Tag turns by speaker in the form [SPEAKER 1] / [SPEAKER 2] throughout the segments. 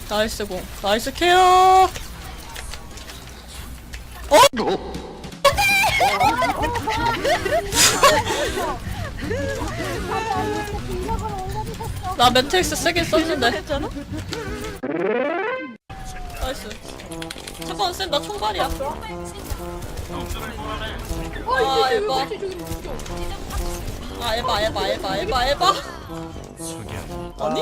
[SPEAKER 1] 나이스 공. 나이스 케어. 나 매트릭스 세게 썼는데. 나이스. 잠깐 쌤, 나 총발이야. 아 에바. 아 에바. 아니?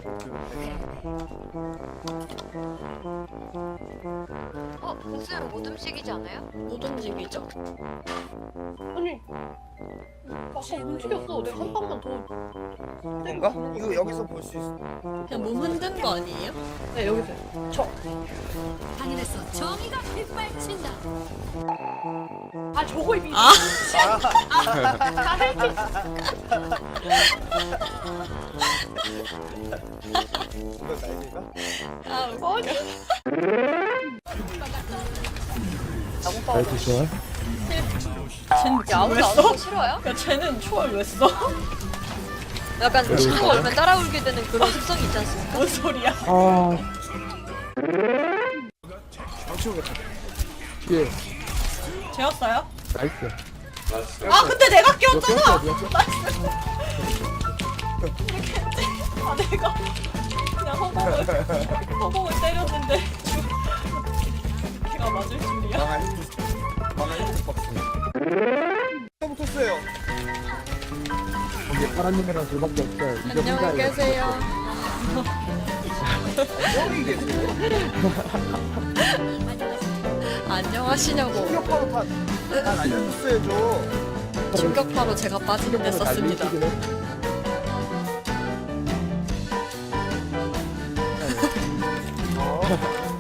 [SPEAKER 2] 무슨 못 움직이지 않아요?
[SPEAKER 1] 못 움직이죠?
[SPEAKER 3] 아니 아까 움직였어. 내가 한 방만 더.
[SPEAKER 4] 뭔가? 이거 여기서 볼 수 있어.
[SPEAKER 1] 그냥 몸 흔든 거 아니에요?
[SPEAKER 3] 네 여기서. 저.
[SPEAKER 5] 하늘에서 정의가 빗발친다.
[SPEAKER 3] 아 저거 이미.
[SPEAKER 1] 아
[SPEAKER 4] 이거 날개가?
[SPEAKER 1] 아,
[SPEAKER 6] 나이스 좋아.
[SPEAKER 1] 쟤는
[SPEAKER 2] 야, 아무도
[SPEAKER 1] 왜
[SPEAKER 2] 안
[SPEAKER 1] 써?
[SPEAKER 2] 오고 싫어요?
[SPEAKER 1] 야 쟤는 초월 왜 써?
[SPEAKER 2] 약간 친구 얼면 따라 울게 되는 그런 습성이 있지 않습니까?
[SPEAKER 1] 뭔 소리야?
[SPEAKER 6] 아
[SPEAKER 4] 방치오겠다.
[SPEAKER 6] 뒤에
[SPEAKER 1] 재웠어요?
[SPEAKER 6] 나이스.
[SPEAKER 1] 아 근데 내가
[SPEAKER 6] 너
[SPEAKER 1] 끼웠잖아!
[SPEAKER 6] 꼈어?
[SPEAKER 1] 아 내가 그냥 허공을 때렸는데 걔가 맞을 줄이야?
[SPEAKER 4] 망한 히트박스. 또 붙었어요.
[SPEAKER 6] 거기 파란님이랑 둘밖에 없어요. 이제
[SPEAKER 1] 안녕히
[SPEAKER 6] 혼자예요.
[SPEAKER 1] 계세요.
[SPEAKER 4] 여기 계세요.
[SPEAKER 1] 안녕하시냐고.
[SPEAKER 4] 충격파로 난 알려줬어야죠.
[SPEAKER 1] 충격파로 제가 빠지는데 썼습니다.
[SPEAKER 6] 날리시긴 해.
[SPEAKER 4] 어.